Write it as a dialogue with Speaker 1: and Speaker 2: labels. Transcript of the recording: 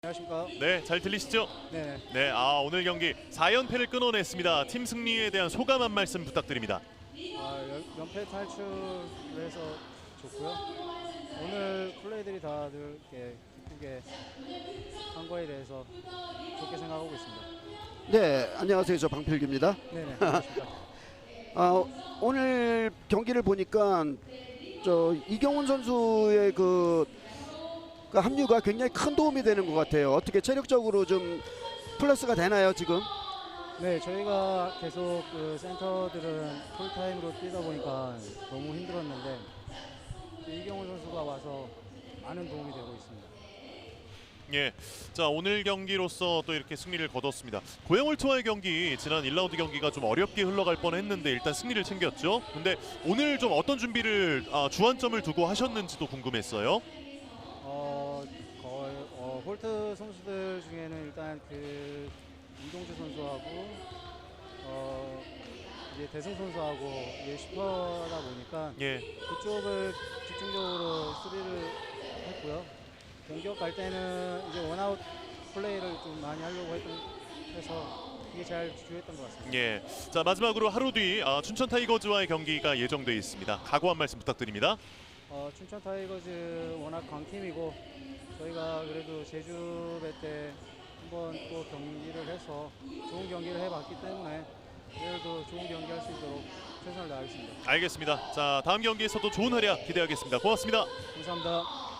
Speaker 1: 안녕하십니까.
Speaker 2: 네, 잘 들리시죠?
Speaker 1: 네.
Speaker 2: 네, 오늘 경기 4연패를 끊어냈습니다. 팀 승리에 대한 소감 한 말씀 부탁드립니다.
Speaker 1: 연패 탈출해서 좋고요. 오늘 플레이들이 다들 이렇게 기쁘게 한 거에 대해서 좋게 생각하고 있습니다.
Speaker 3: 네, 안녕하세요. 저 방필규입니다.
Speaker 1: 네네. 안녕하십니까.
Speaker 3: 오늘 경기를 보니까 저 이경훈 선수의 그 합류가 굉장히 큰 도움이 되는 것 같아요. 어떻게 체력적으로 좀 플러스가 되나요, 지금?
Speaker 1: 네, 저희가 계속 그 센터들은 풀타임으로 뛰다 보니까 너무 힘들었는데 이경훈 선수가 와서 많은 도움이 되고 있습니다.
Speaker 2: 예, 자 오늘 경기로서 또 이렇게 승리를 거뒀습니다. 고양홀트와의 경기 지난 1라운드 경기가 좀 어렵게 흘러갈 뻔했는데 일단 승리를 챙겼죠. 근데 오늘 좀 어떤 준비를 주안점을 두고 하셨는지도 궁금했어요.
Speaker 1: 거의 홀트 선수들 중에는 일단 그 이동주 선수하고 이제 대승 선수하고 이제 슈퍼다 보니까
Speaker 2: 예,
Speaker 1: 그쪽을 집중적으로 수비를 했고요. 공격 갈 때는 이제 원아웃 플레이를 좀 많이 하려고 해서 이게 잘 주요했던 것 같습니다.
Speaker 2: 예. 자 마지막으로 하루 뒤 춘천 타이거즈와의 경기가 예정돼 있습니다. 각오 한 말씀 부탁드립니다.
Speaker 1: 춘천 타이거즈 워낙 강팀이고 저희가 그래도 제주배 때 한번 또 경기를 해서 좋은 경기를 해봤기 때문에 내일도 좋은 경기 할 수 있도록 최선을 다하겠습니다.
Speaker 2: 알겠습니다. 자 다음 경기에서도 좋은 활약 기대하겠습니다. 고맙습니다.
Speaker 1: 감사합니다.